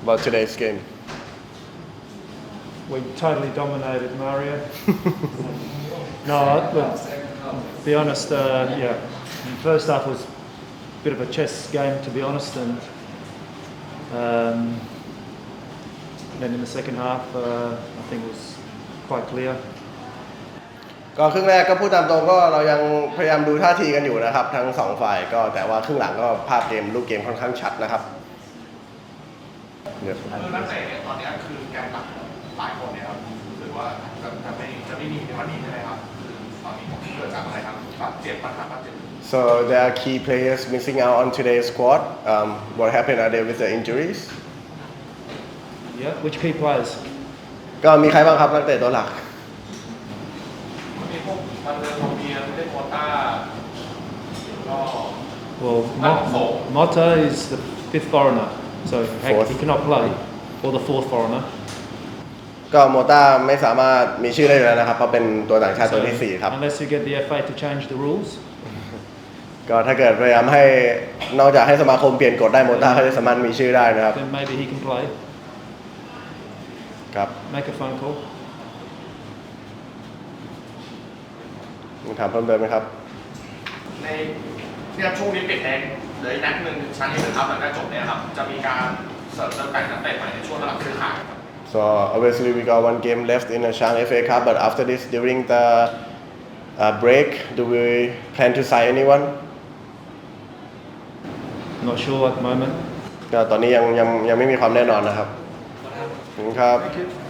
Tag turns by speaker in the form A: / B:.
A: about today's game?
B: We totally dominated Mario. No, look, to be honest, yeah, the first half was a bit of a chess game, to be honest, and then in the second half, I think it was quite clear.
A: ก็ครึ่งแรกก็พูดตามตรงก็เรายังพยายามดูท่าทีกันอยู่นะครับทั้งสองฝ่ายก็แต่ว่าครึ่งหลังก็ภาพเกมรูปเกมค่อนข้างชัดนะครับ
C: นักเตะเนี่ยตอนนี้คือแกนหลักหลายคนเนี่ยครับรู้สึกว่าจะไม่มีในวันนี้ใช่ไหมครับคือตอนนี้เกิดจากอะไรครับบาดเจ็บปัญหาบาดเจ็บ
A: So there are key players missing out on today's squad. What happened? Are they with the injuries?
B: Yeah, which key players?
A: ก็มีใครบ้างครับนักเตะตัวหลัก
C: มีพวกมันเดินโรงเรียนเล่นโควต้าก็
B: Well, Mota is the fifth foreigner, so he cannot play, or the fourth foreigner.
A: ก็โมต้าไม่สามารถมีชื่อได้อยู่แล้วนะครับเพราะเป็นตัวต่างชาติตัวที่ 4 ครับ
B: Unless you get the FA to change the rules.
A: ก็ถ้าเกิดพยายามให้นอกจากให้สมาคมเปลี่ยนกฎได้โมต้าเขาจะสามารถมีชื่อได้นะครับ
B: Then maybe he can play.
A: ครับ
B: Make a phone call.
A: มีถามเพิ่มเติมไหมครับ
C: ในเนี่ยช่วงนี้ปิดแรงเหลืออีกนัดหนึ่งชั้นที่1ครับหลังจากจบเนี่ยครับจะมีการเสริมเติมแต่งนักเตะใหม่ในช่วงระหว่างซื้อขาย
A: So obviously we got one game left in the Chang FA Cup, but after this, during the break, do we plan to sign anyone?
B: Not sure at the moment.
A: ก็ตอนนี้ยังไม่มีความแน่นอนนะครับขอบคุณครับ
B: Thank you.